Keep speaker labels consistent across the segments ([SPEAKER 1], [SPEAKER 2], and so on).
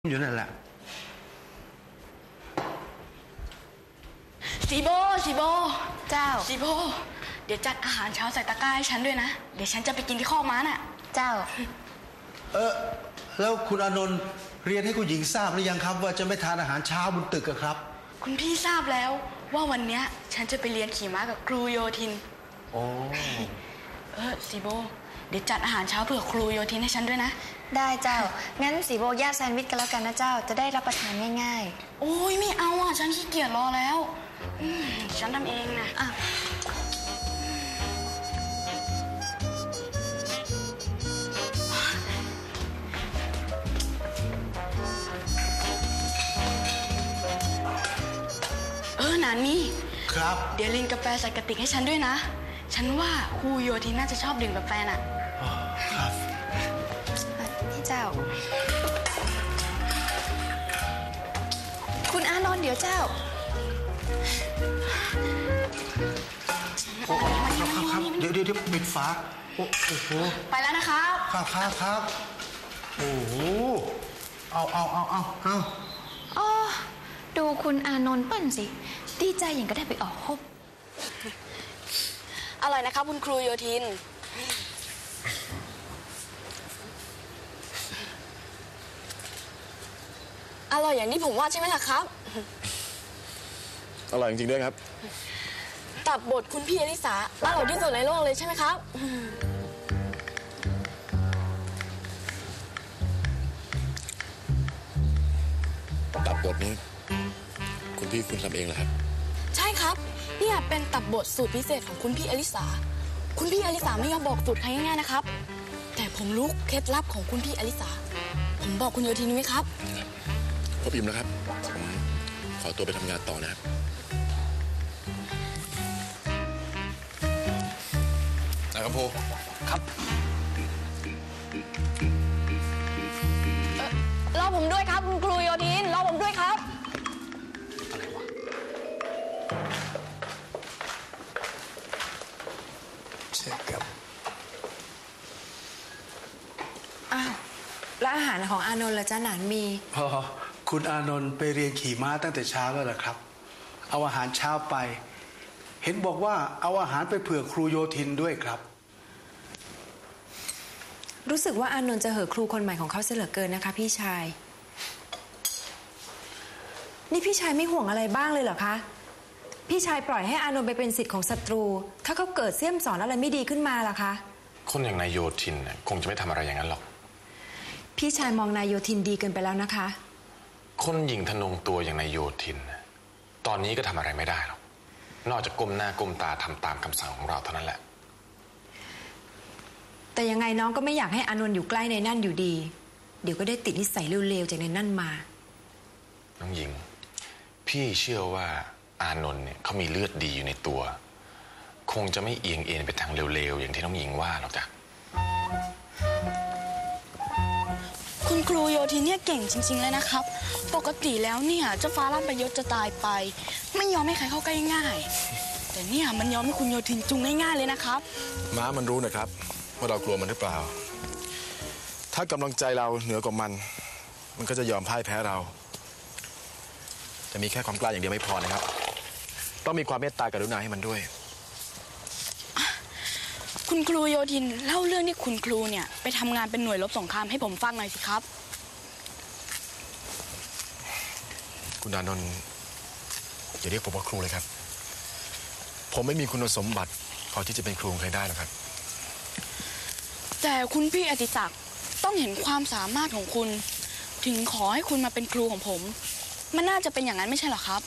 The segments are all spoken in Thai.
[SPEAKER 1] อยู่นั่นแหละ
[SPEAKER 2] สีโบเจ้าสีโบเดี๋ยวจัดอาหารเช้าใส่ตะกร้าให้ฉันด้วยนะเดี๋ยวฉันจะไปกินที่คอกม้าน่ะ
[SPEAKER 3] เจ้า
[SPEAKER 1] แล้วคุณอานนท์เรียนให้คุณหญิงทราบหรือยังครับว่าจะไม่ทานอาหารเช้าบนตึกครับ
[SPEAKER 2] คุณพี่ทราบแล้วว่าวันเนี้ยฉันจะไปเรียนขี่ม้ากับครูโยธิน
[SPEAKER 1] โอ้
[SPEAKER 2] สีโบเดี๋ยวจัดอาหารเช้าเผื่อครูโยธินให้ฉันด้วยนะ
[SPEAKER 3] ได้เจ้างั้นสีโบย่าแซนด์วิชกันแล้วกันนะเจ้าจะได้รับประทานง่าย
[SPEAKER 2] ๆโอ้ยไม่เอาอ่ะฉันขี้เกียจรอแล้วฉันทำเองนะนานี่
[SPEAKER 1] ครับ
[SPEAKER 2] เดี๋ยวลินกาแฟใส่กระติกให้ฉันด้วยนะฉันว่าครูโยธินน่าจะชอบดื่มกาแฟน่ะ
[SPEAKER 1] ครับ
[SPEAKER 3] นี่เจ้าคุณอานนท์เดี๋ยวเจ้า
[SPEAKER 1] ครับเดี๋ยวปิดฝาโอ้โห
[SPEAKER 2] ไปแล้วนะครับ
[SPEAKER 1] ครับโอ้โหเอา
[SPEAKER 3] อ๋อดูคุณอานนท์เปิ้ลสิดีใจอย่างก็ได้ไปออกพบ
[SPEAKER 2] อร่อยนะครับคุณครูโยธินอร่อยอย่างที่ผมว่าใช่ไหมล่ะครับ
[SPEAKER 4] อร่อยจริงๆด้วยครับ
[SPEAKER 2] ตับบทคุณพี่อลิสาอร่อยที่สุดในโลกเลยใช่ไหมครับ
[SPEAKER 4] ตับบทนี้คุณพี่คุณทำเองเหรอครับ
[SPEAKER 2] ใช่ครับเนี่ยเป็นตับบทสูตรพิเศษของคุณพี่อลิสาคุณพี่อลิสาไม่ยอมบอกสูตรใครง่ายๆนะครับแต่ผมรู้เคล็ดลับของคุณพี่อลิสาผมบอกคุณโยธินไหมครับ
[SPEAKER 4] พบอิ่มแล้วครับผมขอตัวไปทำงานต่อนะครับนะครับพ่อ
[SPEAKER 1] ครับ
[SPEAKER 2] รอผมด้วยครับคุณครูโยธินรอผมด้วยครับ
[SPEAKER 1] อะไรวะเช็คครับ
[SPEAKER 3] แล้วอาหารของอานนท์ล่ะจ๊ะหนานมี
[SPEAKER 1] คุณอานนท์ไปเรียนขี่ม้าตั้งแต่เช้าแล้วเหรอครับเอาอาหารเช้าไปเห็นบอกว่าเอาอาหารไปเผื่อครูโยธินด้วยครับ
[SPEAKER 3] รู้สึกว่าอานนท์จะเห่อครูคนใหม่ของเขาเสียเหลือเกินนะคะพี่ชายนี่พี่ชายไม่ห่วงอะไรบ้างเลยเหรอคะพี่ชายปล่อยให้อานนท์ไปเป็นศิษย์ของศัตรูถ้าเขาเกิดเสี่ยมสอนอะไรไม่ดีขึ้นมาล่ะคะ
[SPEAKER 4] คนอย่างนายโยธินคงจะไม่ทำอะไรอย่างนั้นหรอก
[SPEAKER 3] พี่ชายมองนายโยธินดีเกินไปแล้วนะคะ
[SPEAKER 4] คนหญิงทะนงตัวอย่างนายโยธินตอนนี้ก็ทำอะไรไม่ได้หรอกนอกจากก้มหน้าก้มตาทำตามคำสั่งของเราเท่านั้นแหละ
[SPEAKER 3] แต่ยังไงน้องก็ไม่อยากให้อานนท์อยู่ใกล้ในนั่นอยู่ดีเดี๋ยวก็ได้ติดนิสัยเร็วๆจากในนั่นมา
[SPEAKER 4] น้องหญิงพี่เชื่อว่าอานนท์เนี่ยเขามีเลือดดีอยู่ในตัวคงจะไม่เอียงเอ็นไปทางเร็วๆอย่างที่น้องหญิงว่าหรอกจ้ะ
[SPEAKER 2] คุณครูโยธินเนี่ยเก่งจริงๆเลยนะครับปกติแล้วเนี่ยเจ้าฟ้าลั่นประยศจะตายไปไม่ยอมให้ใครเข้าใกล้ง่ายแต่เนี่ยมันยอมให้คุณโยธินจุงง่ายๆเลยนะครับ
[SPEAKER 4] ม้ามันรู้นะครับว่าเรากลัวมันหรือเปล่าถ้ากำลังใจเราเหนือกว่ามันก็จะยอมพ่ายแพ้เราจะมีแค่ความกล้าอย่างเดียวไม่พอนะครับต้องมีความเมตตากรุณาให้มันด้วย
[SPEAKER 2] คุณครูโยธินเล่าเรื่องที่คุณครูเนี่ยไปทำงานเป็นหน่วยรบสงครามให้ผมฟังหน่อยสิครับ
[SPEAKER 4] คุณอานนท์อย่าเรียกผมว่าครูเลยครับผมไม่มีคุณสมบัติพอที่จะเป็นครูใครได้หรอกครับ
[SPEAKER 2] แต่คุณพี่อติศักดิ์ต้องเห็นความสามารถของคุณถึงขอให้คุณมาเป็นครูของผมมันน่าจะเป็นอย่างนั้นไม่ใช่หรอครับ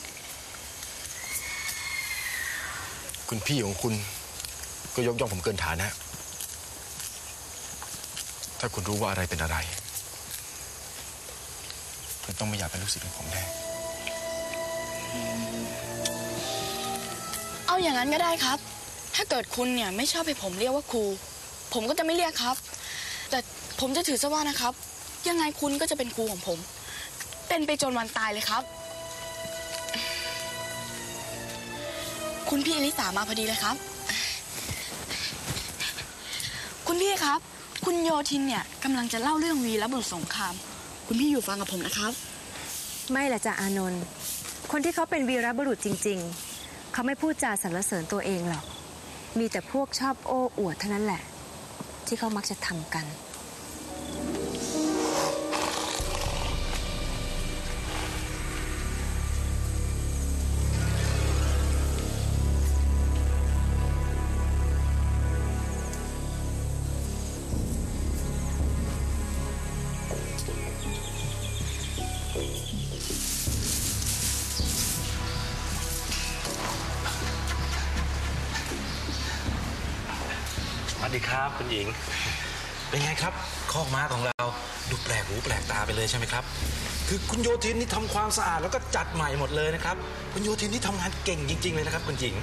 [SPEAKER 4] คุณพี่ของคุณก็ยกย่องผมเกินฐานะถ้าคุณรู้ว่าอะไรเป็นอะไรคุณต้องไม่อยากเป็นลูกศิษย์ของผมแน่
[SPEAKER 2] เอาอย่างนั้นก็ได้ครับถ้าเกิดคุณเนี่ยไม่ชอบให้ผมเรียกว่าครูผมก็จะไม่เรียกครับแต่ผมจะถือซะว่านะครับยังไงคุณก็จะเป็นครูของผมเป็นไปจนวันตายเลยครับคุณพี่อลิสามาพอดีเลยครับคุณพี่ครับคุณโยธินเนี่ยกำลังจะเล่าเรื่องวีรบุรุษสงครามคุณพี่อยู่ฟังกับผมนะครับ
[SPEAKER 3] ไม่ละจ้ะอานนท์คนที่เขาเป็นวีรบุรุษจริงๆเขาไม่พูดจาสรรเสริญตัวเองหรอกมีแต่พวกชอบโอ้อวดเท่านั้นแหละที่เขามักจะทำกัน
[SPEAKER 5] สวัสดีครับคุณหญิงเป็นไงครับคอกม้าของเราดูแปลกหูแปลกตาไปเลยใช่ไหมครับคือคุณโยธินนี่ทำความสะอาดแล้วก็จัดใหม่หมดเลยนะครับคุณโยธินนี่ทำงานเก่งจริงๆเลยนะครับคุณหญิง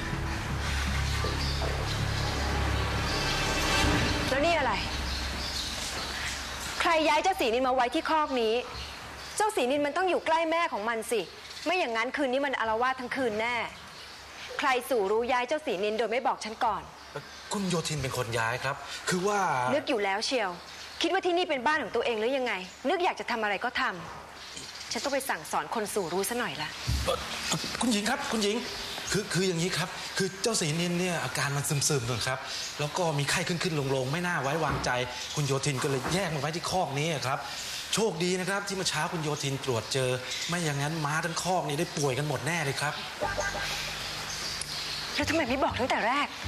[SPEAKER 3] แล้วนี่อะไร ใครย้ายเจ้าสีนินมาไว้ที่คอกนี้ เจ้าสีนินมันต้องอยู่ใกล้แม่ของมันสิไม่อย่างนั้นคืนนี้มันอาละวาดทั้งคืนแน่ใครสู่รู้ย้ายเจ้าสีนินโดยไม่บอกฉันก่อน
[SPEAKER 5] คุณโยธินเป็นคนย้ายครับคือว่า
[SPEAKER 3] นึกอยู่แล้วเชียวคิดว่าที่นี่เป็นบ้านของตัวเองหรือยังไงนึกอยากจะทำอะไรก็ทำฉันต้องไปสั่งสอนคนสู่รู้ซะหน่อยละ
[SPEAKER 5] คุณหญิงครับคุณหญิงคืออย่างนี้ครับคือเจ้าสีนินเนี่ยอาการมันซึมๆนะครับแล้วก็มีไข้ขึ้นๆลงๆไม่น่าไว้วางใจคุณโยธินก็เลยแยกมาไว้ที่คอกนี้ครับโชคดีนะครับที่เมื่อเช้าคุณโยธินตรวจเจอไม่อย่างนั้นม้าทั้งคอกนี้ได้ป่วยกันหมดแน่เลยครับ
[SPEAKER 3] แล้วทำไมไม่บอกตั้งแต่แรก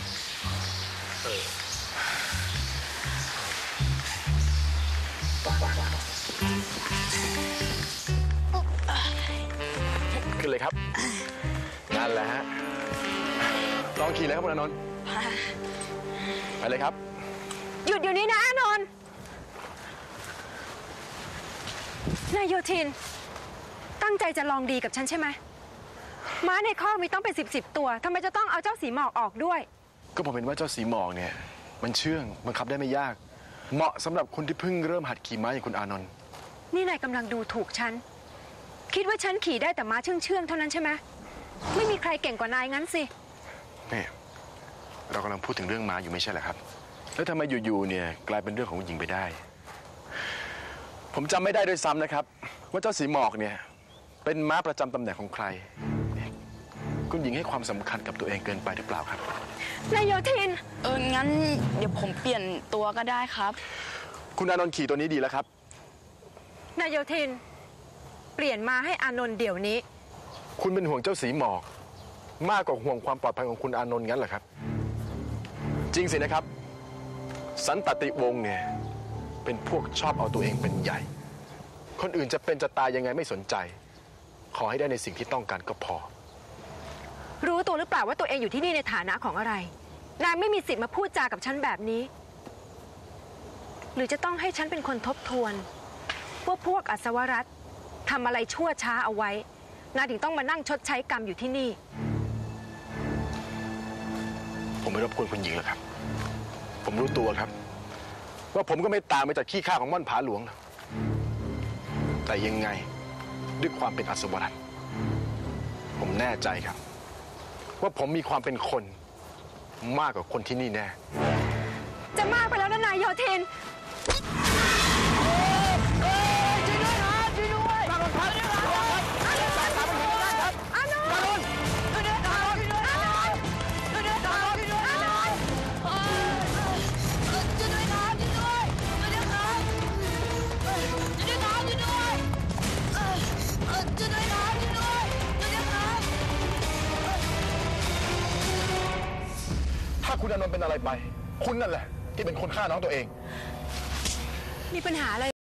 [SPEAKER 4] ขึ้นเลยครับนั่นแหละฮะลองขี่เลยครับคุณอานนท์ไปเลยครับ
[SPEAKER 3] หยุดเดี๋ยวนี้นะอานนท์นายโยธินตั้งใจจะลองดีกับฉันใช่ไหมม้าในคอกมีต้องเป็น10ตัวทำไมจะต้องเอาเจ้าสีหมอกออกด้วย
[SPEAKER 4] ก็ผมเห็นว่าเจ้าสีหมอกเนี่ยมันเชื่องบังคับได้ไม่ยากเหมาะสำหรับคนที่เพิ่งเริ่มหัดขี่ม้าอย่างคุณอานนท์
[SPEAKER 3] นี่นายกำลังดูถูกฉันคิดว่าฉันขี่ได้แต่ม้าเชื่องเท่านั้นใช่ไหมไม่มีใครเก่งกว่านายงั้นสิ
[SPEAKER 4] แม่เรากำลังพูดถึงเรื่องม้าอยู่ไม่ใช่เหรอครับแล้วทำไมอยู่ๆเนี่ยกลายเป็นเรื่องของผู้หญิงไปได้ผมจำไม่ได้ด้วยซ้ำนะครับว่าเจ้าสีหมอกเนี่ยเป็นม้าประจำตำแหน่งของใครคุณหญิงให้ความสำคัญกับตัวเองเกินไปหรือเปล่าครับ
[SPEAKER 3] นายโยธิน
[SPEAKER 2] งั้นเดี๋ยวผมเปลี่ยนตัวก็ได้ครับ
[SPEAKER 4] คุณอานนท์ขี่ตัวนี้ดีแล้วครับ
[SPEAKER 3] นายโยธินเปลี่ยนมาให้อานนท์เดี๋ยวนี้
[SPEAKER 4] คุณเป็นห่วงเจ้าสีหมอกมากกว่าห่วงความปลอดภัยของคุณอานนท์งั้นเหรอครับจริงสินะครับสันตติวงศ์เนี่ยเป็นพวกชอบเอาตัวเองเป็นใหญ่คนอื่นจะเป็นจะตายยังไงไม่สนใจขอให้ได้ในสิ่งที่ต้องการก็พอ
[SPEAKER 3] รู้ตัวหรือเปล่าว่าตัวเองอยู่ที่นี่ในฐานะของอะไรนายไม่มีสิทธิ์มาพูดจากับฉันแบบนี้หรือจะต้องให้ฉันเป็นคนทบทวนว่าพวกอัศวรัตน์ทำอะไรชั่วช้าเอาไว้นายถึงต้องมานั่งชดใช้กรรมอยู่ที่นี่
[SPEAKER 4] ผมไม่รบกวนคุณหญิงหรอกครับผมรู้ตัวครับว่าผมก็ไม่ต่างไปจากขี้ข้าของม่อนผาหลวงแต่ยังไงด้วยความเป็นอัศวรัตน์ผมแน่ใจครับว่าผมมีความเป็นคนมากกว่าคนที่นี่แน่
[SPEAKER 3] จะมากไปแล้วนะนายโยธิน
[SPEAKER 4] ถ้าคุณอานนท์เป็นอะไรไปคุณนั่นแหละที่เป็นคนฆ่าน้องตัวเอง
[SPEAKER 3] มีปัญหาอะไร